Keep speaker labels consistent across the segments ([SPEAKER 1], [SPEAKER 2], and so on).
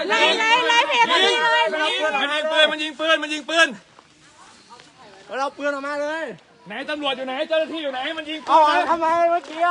[SPEAKER 1] ไล่เพจเลย
[SPEAKER 2] มันยิงปืน
[SPEAKER 3] เราปืนออกมาเลย
[SPEAKER 2] ไหนตำรวจอยู่ไหนเจ้าหน้าที่อยู่ไหนมันยิงปืน
[SPEAKER 3] ทำไมเมื่อกี้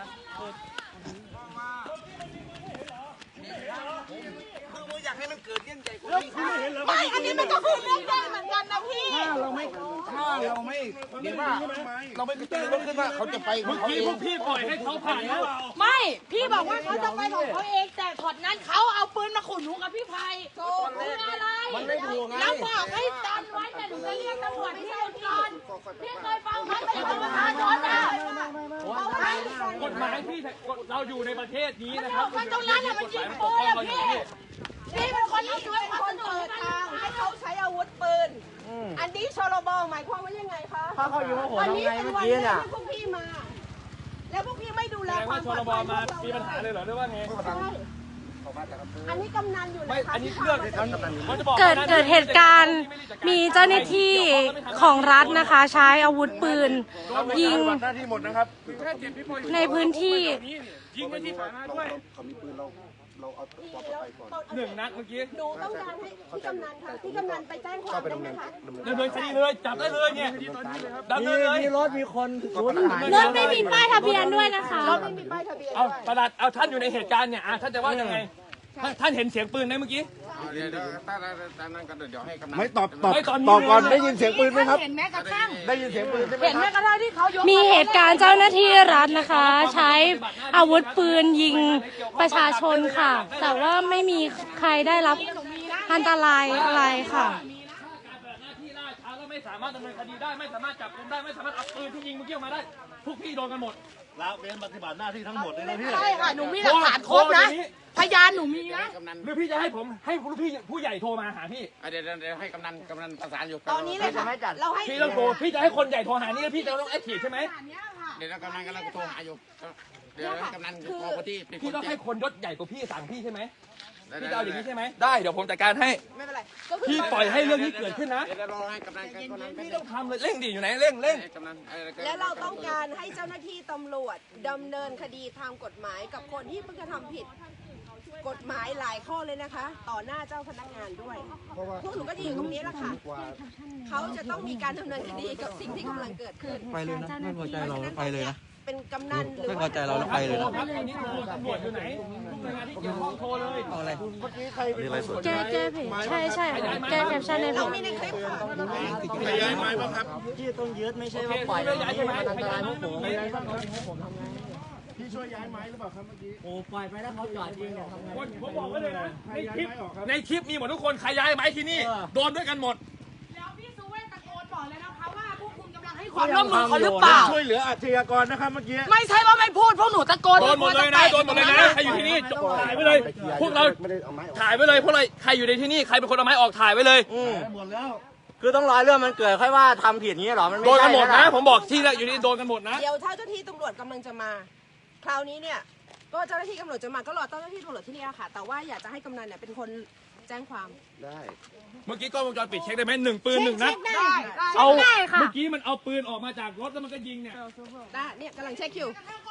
[SPEAKER 3] อยากให้มันเกิดเรื่องใหญ่กว่านี้
[SPEAKER 1] ไม่อันนี้มันก็คือเรื่องใหญ่เหมือนกันนะพี่
[SPEAKER 3] ถ้าเราไม่เดี๋ยวว่าเราไม่ตื่นรถขึ้นว่าเขาจะไปของเขาเอง
[SPEAKER 2] พวกพี่ปล่อยให้เขาผ่านแล้ว
[SPEAKER 1] ไม่พี่บอกว่าเขาจะไปของเขาเองแต่ถอดนั้นเขาเอาปืนมาขู่หนูกับพี่ไพโซ่เพื่ออะไรมันไม่ถูกไงแล้วบอกให้จำไว้แต่หนูจะเรียกตำรวจที่อุดรพี่เคยฟังเขาเป็นประชาชนนะ
[SPEAKER 2] กฎหมายพี่เราอยู่ในประเทศนี้นะครับ
[SPEAKER 1] มันตรงนั้นน่ะมันยิงปืนอะพี่เป็นคนที่ช่วยคนเปิดทางให้เขาใช้อาวุธปืนอันนี้ชลบหมายความว่ายังไงคะ
[SPEAKER 3] ถ้าเขาอยู่กับผมทำไงเมื่อกี้เนี่ย
[SPEAKER 1] พวกพี่มา แล้วพวกพี่ไม่ดูแล
[SPEAKER 2] แสดง
[SPEAKER 1] ควา
[SPEAKER 2] ว่าม
[SPEAKER 1] ปลอดภัย
[SPEAKER 2] มามีปัญหาเลยเหรอหรือว่าไง
[SPEAKER 1] อันนี้กำนันอยู่นะ
[SPEAKER 2] ไม่
[SPEAKER 1] คะ
[SPEAKER 2] อันนี้เรื่อง
[SPEAKER 4] เกิดเหตุการณ์มีเจ้าหน้าที่ของรัฐนะคะ ใช้อาวุธปืนยิง
[SPEAKER 3] หน้าที่หมดนะครับ
[SPEAKER 4] ในพื้นที่
[SPEAKER 2] ยิงไปที่ฐานะด้วย
[SPEAKER 3] เขามีปืนเราเอาความปลอดภัยก่อน
[SPEAKER 2] 1 นัดเมื่อกี้
[SPEAKER 1] หนูต้องการให้พี่กำนันค่ะพี่กำนันไปแจ้งความได้ไหมคะ
[SPEAKER 2] ดำเนินคดีเลยจับได้เลยเนี่ยดำเนินเลย
[SPEAKER 3] มีรถมีคนสูญหาย
[SPEAKER 4] รถไม่มีป้ายทะเบียนด้วยนะคะ
[SPEAKER 1] รถไม่มีป้ายทะเบียน
[SPEAKER 2] เอา
[SPEAKER 1] ด้วย
[SPEAKER 2] ประหลัดเอาท่านอยู่ในเหตุการณ์เนี่ยท่านจะว่ายังไงท่านเห็นเสียงปืนไหมเมื่อกี้
[SPEAKER 5] เดี๋ยวตานั้นก็เดี๋ยวให้กำนัน
[SPEAKER 3] ไม่ตอบก่อนได้ยินเสียงปืนไหมครับ
[SPEAKER 1] เห็นแม้กระทั่ง
[SPEAKER 3] ได้ยินเสียงปืนใช่ไหม
[SPEAKER 1] เห็น
[SPEAKER 3] ค
[SPEAKER 1] แม้
[SPEAKER 3] รับ
[SPEAKER 1] กระทั่งที่เขายก
[SPEAKER 4] มีเหตุการณ์เจ้าหน้าที่รัฐนะคะ ใช้อาวุธปืนยิงประชาชนค่ะ แต่ว่าไม่มีใครได้รับอันตรายอะไรค่ะ
[SPEAKER 2] หน้าที่ล่าช้าแล้วไม่สามารถดำเนินคดีได้ไม่สามารถจับกุมได้ไม่สามารถเอาปืนที่ยิงเมื่อกี้ออกมาได้พวกพี่โดนกันหมด
[SPEAKER 3] ละเว้นปฏิบัติหน้าที่ทั้งหมดเลยนะพี่
[SPEAKER 1] ใช่ค่ะหนูมีหลักฐานครบนะพยานหนูมีนะ
[SPEAKER 5] กำนัน
[SPEAKER 2] หรือพี่จะให้ผมให้พี่ผู้ใหญ่โทรมาหาพี่
[SPEAKER 5] เดี๋ยวให้กำนันประสานอยู่
[SPEAKER 1] ตอนนี้เลยค่ะเราให้
[SPEAKER 2] พี่ต้องโทรพี่จะให้คนใหญ่โทรหานี่พี่จะต้องแอคทีฟใช่ไหม
[SPEAKER 5] เดี๋ยวกำนันกำลังโทรหาอยู่เดี๋ยวกำนันพอพอที่เป็นค
[SPEAKER 2] พี่
[SPEAKER 5] น
[SPEAKER 2] ต้อง
[SPEAKER 5] แจ้
[SPEAKER 2] ให้
[SPEAKER 5] ง
[SPEAKER 2] คนยศใหญ่กว่าพี่สั่งพี่ใช่ไหมพี่จะเอาอย่างนี้ใช่ไหมได้เดี๋ยวผมจัดการให้
[SPEAKER 1] ไม่เป็นไร
[SPEAKER 2] พี่ปล่อยให้เรื่องนี้เกิดขึ้นนะ
[SPEAKER 5] เดี๋ยวรอให้กำนัน
[SPEAKER 2] พี่ต้องทำเลยเร่งดิอยู่ไหนเร่ง
[SPEAKER 5] กำนัน
[SPEAKER 1] และเราต้องการให้เจ้าหน้าที่ตำรวจดำเนินคดีทางกฎหมายกับคนที่เพิ่งจะทำผิดกฎหมายหลายข้อเลยนะคะ ต่อหน้าเจ้าพนักงานด้วยพวกหนูก็จะอยู่ตรงนี้แหละค่ะเขาจะต้องมีการดำเนินคดีกับสิ่งที่กำลังเกิดขึ้น
[SPEAKER 3] ไปเลยนะไม่พอใจเราไปเลยนะ
[SPEAKER 1] เป็นกำนันหรือ
[SPEAKER 3] ไม่พอใจเราไปเลยนะ
[SPEAKER 2] ตอนนี้ตำรวจอยู่ไหนทุกหน่วยงานที่เกี่ยวข้องโทรเลย
[SPEAKER 3] เอาอะไรเมื่อกี้ใครเป็นอะไรสด
[SPEAKER 4] แก้เพจใช่แก้แคปชั่นในเพ
[SPEAKER 1] เรา
[SPEAKER 4] จ
[SPEAKER 1] มีในคลิปค่ะ
[SPEAKER 3] ขยายไม้บ้างครับที่ต้องยึดไม่ใช่ว่าปล่อย
[SPEAKER 2] ย้ายใช่ไหม
[SPEAKER 3] อันตรายพวกผม
[SPEAKER 2] ย้าย
[SPEAKER 3] พี่ช่วยย้ายไม้หรือเปล่าครับเมื่อกี้โอ้ปล่อยไปแล้วเขาจอดยิงเนี่ยทำไง
[SPEAKER 2] ผมบอกไว้เลยนะในคลิปมีหมดทุกคนใครย้ายไหมที่นี่โดนด้วยกันหมด
[SPEAKER 1] แล้วพี่สุเวทตะโกนบอกเลยนะคะว่าพวกคุณกำลังให้ความร่วมมือเขาหรือเปล่า
[SPEAKER 3] ช่วยเหลืออาชญากรนะครับเมื่อกี้
[SPEAKER 1] ไม่ใช่ว่าไม่พูดพวกหนูตะโกน
[SPEAKER 2] โดนหมดเลยนะโดนหมดเลยนะใครอยู่ที่นี่ถ่ายไว้เลยพวกเราถ่ายไว้เลยพวกเราใครอยู่ในที่นี่ใครเป็นคนเอาไม้ออกถ่ายไว้เลย
[SPEAKER 3] หมดแล้วคือต้องรอเรื่องมันเกิดค่อยว่าทำผิดนี้หรอมันไม่
[SPEAKER 2] โดน
[SPEAKER 3] ใช่
[SPEAKER 2] กันหมดนะผมบอกที่อยู่นี่โดนกันหมดนะ
[SPEAKER 1] เดี๋ยวถ้าเจ้าหน้าที่ตำรวจกำลังจะมา คราวนี้เนี่ยก็เจ้าหน้าที่ตำรวจจะมาก็รอเจ้าหน้าที่ตำรวจที่นี่ค่ะ แต่ว่าอยากจะให้กำนันเนี่ยเป็นคนแจ้งความ
[SPEAKER 3] ได้
[SPEAKER 2] เมื่อกี้กล้องวงจรปิดเช็คได้ไหม1 ปืน 1 นัด
[SPEAKER 1] ได้
[SPEAKER 2] เอาเมื่อกี้มันเอาปืนออกมาจากรถแล้วมันก็ยิงเนี่ย
[SPEAKER 1] ได้เนี่ยกำลังเช็คอยู่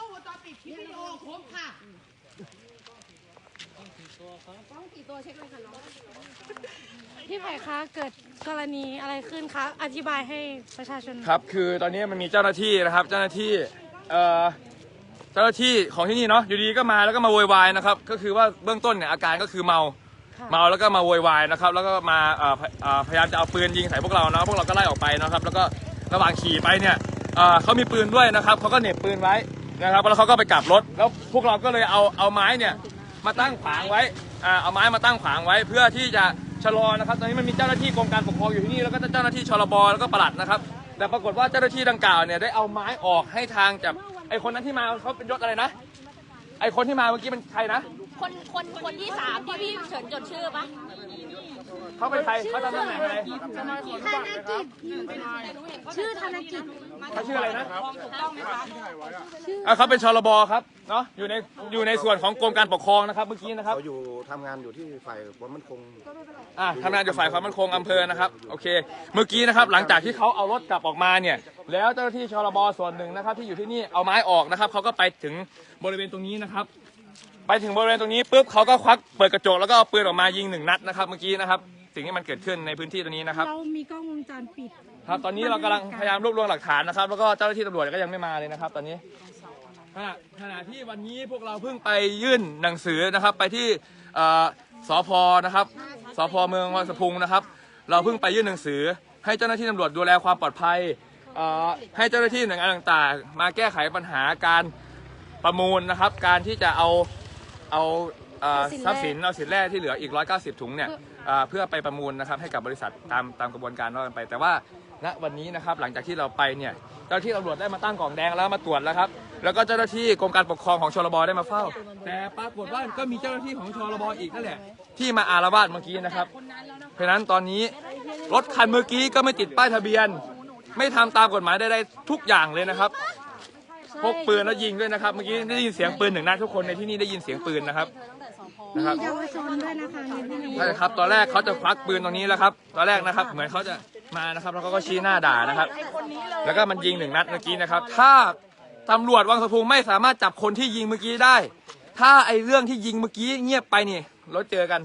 [SPEAKER 4] พี่ไผ่คะเกิดกรณีอะไรขึ้นคะอธิบายให้ประชาชน
[SPEAKER 2] ครับคือตอนนี้มันมีเจ้าหน้าที่นะครับเจ้าหน้าที่ของที่นี่เนาะอยู่ดีก็มาแล้วก็มาโวยวายนะครับก็คือว่าเบื้องต้นเนี่ยอาการก็คือเมาแล้วก็มาโวยวายนะครับแล้วก็มาพยายามจะเอาปืนยิงใส่พวกเรานะพวกเราก็ไล่ออกไปนะครับแล้วก็ระหว่างขี่ไปเนี่ยเขามีปืนด้วยนะครับเขาก็เหน็บปืนไว้นะครับแล้วเขาก็ไปกลับรถแล้วพวกเราก็เลยเอาไม้เนี่ยมาตั้งขวางไว้เอาไม้มาตั้งขวางไว้เพื่อที่จะชะลอนะครับตอนนี้มันมีเจ้าหน้าที่กรมการปกครองอยู่ที่นี่แล้วก็เจ้าหน้าที่ชลบแล้วก็ปลัดนะครับแต่ปรากฏว่าเจ้าหน้าที่ดังกล่าวเนี่ยได้เอาไม้ออกให้ทางจากไอคนนั้นที่มาเขาเป็นยศอะไรนะไอคนที่มาเมื่อกี้เป็นใครนะ
[SPEAKER 6] คนที่3ที่พี่เฉินจดชื่อปะ
[SPEAKER 2] เขาเป็นใครเขาทำตำแหน่งอะไร
[SPEAKER 4] ธนกิจชื่อธนกิจ
[SPEAKER 2] เขาชื่ออะไรนะเขาเป็นชลบครับเนาะอยู่ในส่วนของกรมการปกครองนะครับเมื่อกี้นะครับ
[SPEAKER 3] เขาอยู่ทำงานอยู่ที่ฝ่ายความมั่นคง
[SPEAKER 2] ทำงานอยู่ฝ่ายความมั่นคงอำเภอนะครับโอเคเมื่อกี้นะครับหลังจากที่เขาเอารถกลับออกมาเนี่ยแล้วเจ้าหน้าที่ชลบส่วนหนึ่งนะครับที่อยู่ที่นี่เอาไม้ออกนะครับเขาก็ไปถึงบริเวณตรงนี้นะครับไปถึงบริเวณตรงนี้ปุ๊บเขาก็ควักเปิดกระจกแล้วก็เอาปืนออกมายิง1 นัดนะครับเมื่อกี้นะครับสิ่งที่มันเกิดขึ้นในพื้นที่ตรงนี้นะครับ
[SPEAKER 4] เรามีกล้องวงจรปิด
[SPEAKER 2] ครับตอนนี้เรากำลังพยายามรวบรวมหลักฐานนะครับแล้วก็เจ้าหน้าที่ตำรวจก็ยังไม่มาเลยนะครับ ตอนนี้ขณะที่วันนี้พวกเราเพิ่งไปยื่นหนังสือนะครับไปที่สพนะครับสพเมืองวังสะพุงนะครับ เราเพิ่งไปยื่นหนังสือให้เจ้าหน้าที่ตำรวจดูแลความปลอดภัยให้เจ้าหน้าที่หน่วยงานต่างๆมาแก้ไขปัญหาการประมูลนะครับการที่จะเอาทรัพย์สินเอาสินแร่ที่เหลืออีก190 ถุงเนี่ยเพื่อไปประมูลนะครับให้กับบริษัทตามกระบวนการว่ากันไปแต่ว่าณวันนี้นะครับหลังจากที่เราไปเนี่ยเจ้าหน้าที่ตำรวจได้มาตั้งกล่องแดงแล้วมาตรวจแล้วครับแล้วก็เจ้าหน้าที่กรมการปกครองของชลบได้มาเฝ้าแต่ปรากฏว่าก็มีเจ้าหน้าที่ของชลบอีกนั่นแหละที่มาอาละวาดเมื่อกี้นะครับเพราะฉะนั้นตอนนี้รถคันเมื่อกี้ก็ไม่ติดป้ายทะเบียนไม่ทำตามกฎหมายได้ทุกอย่างเลยนะครับพกปืนแล้วยิงด้วยนะครับเมื่อกี้ได้ยินเสียงปืน1 นัดทุกคนในที่นี่ได้ยินเสียงปืนนะครับ
[SPEAKER 4] มีเยาวชนด้วยนะคะในที่นี้
[SPEAKER 2] ใช่ครับตอนแรกเขาจะควักปืนตรงนี้แล้วครับตอนแรกนะครับเหมือนเขาจะมานะครับแล้วเขาก็ชี้หน้าด่านะครับแล้วก็มันยิง1 นัดเมื่อกี้นะครับถ้าตำรวจวังสะพุงไม่สามารถจับคนที่ยิงเมื่อกี้ได้ถ้าไอ้เรื่องที่ยิงเมื่อกี้เงียบไปนี่เราเจอกัน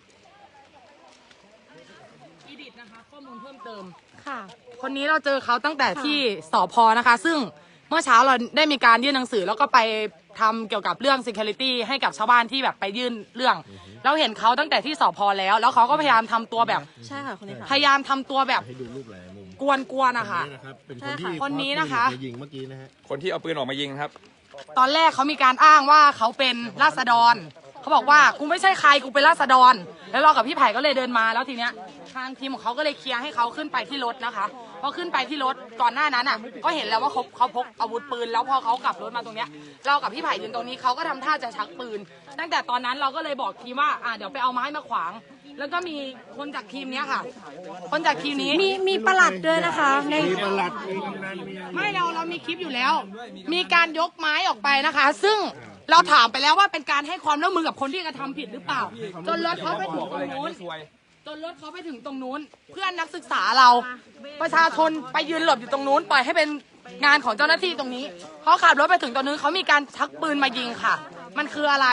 [SPEAKER 7] อีดิทนะคะข้อมูลเพิ่มเติม
[SPEAKER 4] ค่ะ
[SPEAKER 7] คนนี้เราเจอเขาตั้งแต่ที่สพนะคะ ซึ่งเมื่อเช้าเราได้มีการยื่นหนังสือแล้วก็ไปทำเกี่ยวกับเรื่อง security ให้กับชาวบ้านที่แบบไปยื่นเรื่อง เราเห็นเขาตั้งแต่ที่สพแล้วเขาก็พยายามทำตัวแบบ
[SPEAKER 4] ใช่ค่ะคนนี้ค่ะ
[SPEAKER 7] พยายามทำตัวแบบ
[SPEAKER 3] ให้ดูรูปหลายมุม
[SPEAKER 7] กวนๆนะคะ
[SPEAKER 3] นี่นะครับเป็นคนที่
[SPEAKER 7] คนนี้นะคะ
[SPEAKER 3] ควักปืนยิงเมื่อกี้นะฮะ
[SPEAKER 2] คนที่เอาปืนออกมายิงครับ
[SPEAKER 7] ตอนแรกเขามีการอ้างว่าเขาเป็นราษฎรเขาบอกว่ากูไม่ใช่ใครกูเป็นราษฎรแล้วเรากับพี่ไผ่ก็เลยเดินมาแล้วทีเนี้ยทางทีมของเขาก็เลยเคลียร์ให้เขาขึ้นไปที่รถนะคะพอขึ้นไปที่รถก่อนหน้านั้นอ่ะก็เห็นแล้วว่าเขาพกอาวุธปืนแล้วพอเขากลับรถมาตรงเนี้ยเรากับพี่ไผ่ยืนตรงนี้เขาก็ทำท่าจะชักปืน ตั้งแต่ตอนนั้นเราก็เลยบอกทีมว่าเดี๋ยวไปเอาไม้มาขวาง แล้วก็มีคนจากทีมเนี้ยค่ะ คนจากทีมนี้
[SPEAKER 4] มีประหลัดด้วยนะคะใน
[SPEAKER 3] มีประหลัดมีกำนันมีอะไร
[SPEAKER 7] ไม่เรามีคลิปอยู่แล้ว มีการยกไม้ออกไปนะคะ ซึ่งเราถามไปแล้วว่าเป็นการให้ความร่วมมือกับคนที่กระทำผิดหรือเปล่า จนรถเขาไปถึงตรงนู้น จนรถเขาไปถึงตรงนู้น เพื่อนนักศึกษาเรา ประชาชนไปยืนหลบอยู่ตรงนู้น ปล่อยให้เป็นงานของเจ้าหน้าที่ตรงนี้เขาขับรถไปถึงตรงนู้นเขามีการชักปืนมายิงค่ะ มันคืออะไร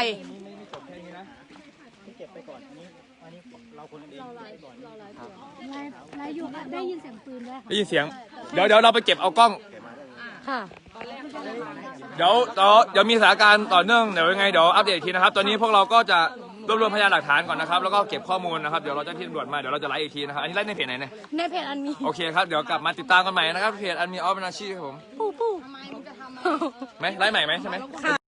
[SPEAKER 4] ไลฟ์อยู่ค่ะได้ยินเสียงปืนด้วยค่ะ
[SPEAKER 2] ได้ยินเสียงเดี๋ยวเราไปเก็บเอากล้อง
[SPEAKER 4] ค่ะ
[SPEAKER 2] เดี๋ยวมีสถานการณ์ต่อเนื่องเดี๋ยวยังไงเดี๋ยวอัปเดตอีกทีนะครับตอนนี้พวกเราก็จะรวบรวมพยานหลักฐานก่อนนะครับแล้วก็เก็บข้อมูลนะครับเดี๋ยวเราจะที่ตำรวจมาเดี๋ยวเราจะไลฟ์อีกทีนะครับอันนี้ไลฟ์ในเพจไหนเนี่ย
[SPEAKER 4] ในเพจอันนี้
[SPEAKER 2] โอเคครับเดี๋ยวกลับมาติดตามกันใหม่นะครับเพจอันมีออฟนาชีครับผม
[SPEAKER 4] ปู้
[SPEAKER 2] ไหมไลฟ์ใหม่ไหมใช่ไหม